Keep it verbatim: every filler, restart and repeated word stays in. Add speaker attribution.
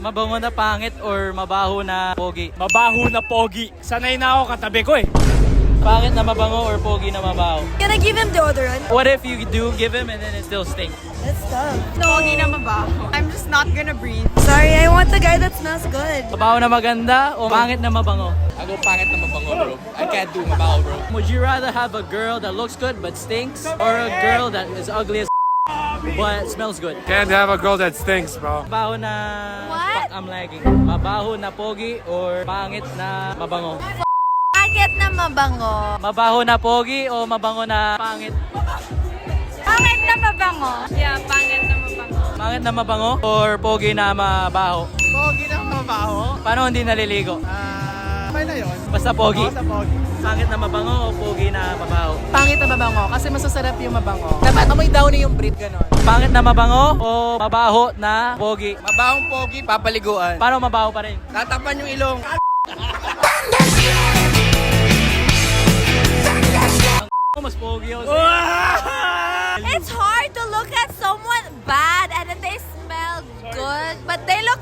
Speaker 1: Mabango na pangit or mabaho na pogi?
Speaker 2: Mabaho na pogi. Sanay na ako katabi ko eh.
Speaker 1: Pangit na mabango or pogi na mabaho?
Speaker 3: Can I give him deodorant?
Speaker 1: What if you do give him and then it still stinks?
Speaker 3: That's tough.
Speaker 4: Pogi na mabaho. I'm just not gonna breathe.
Speaker 3: Sorry, I want the guy that smells good.
Speaker 1: Mabaho na maganda o pangit na mabango?
Speaker 5: I go pangit na mabango, bro. I can't do mabaho, bro.
Speaker 1: Would you rather have a girl that looks good but stinks or a girl that is ugly as but smells good?
Speaker 2: Can't have a girl that stinks, bro.
Speaker 1: Mabaho na...
Speaker 3: What?
Speaker 1: Fuck, I'm lagging. Mabaho na pogi or pangit na mabango?
Speaker 3: Pangit na mabango.
Speaker 1: Mabaho na pogi o mabango na pangit?
Speaker 4: Pangit na mabango. Yeah, pangit na mabango.
Speaker 1: Pangit na mabango or pogi na mabaho?
Speaker 5: Pogi na mabaho?
Speaker 1: Paano hindi naliligo?
Speaker 5: Ah, okay na yun.
Speaker 1: Basta pogi.
Speaker 5: Basta pogi.
Speaker 1: Pangit na mabango o pogi na mabaho?
Speaker 6: Pangit na mabango kasi masasarap yung mabango. Dapat amoy downy yung breed, ganon.
Speaker 1: Pangit na mabango o mabaho na pogi?
Speaker 5: Mabahong pogi, papaliguan.
Speaker 1: Paano mabaho pa rin?
Speaker 5: Tatapan yung ilong.
Speaker 1: Ako mas pogi ako.
Speaker 3: It's hard to look at someone bad and then they smell good, but they look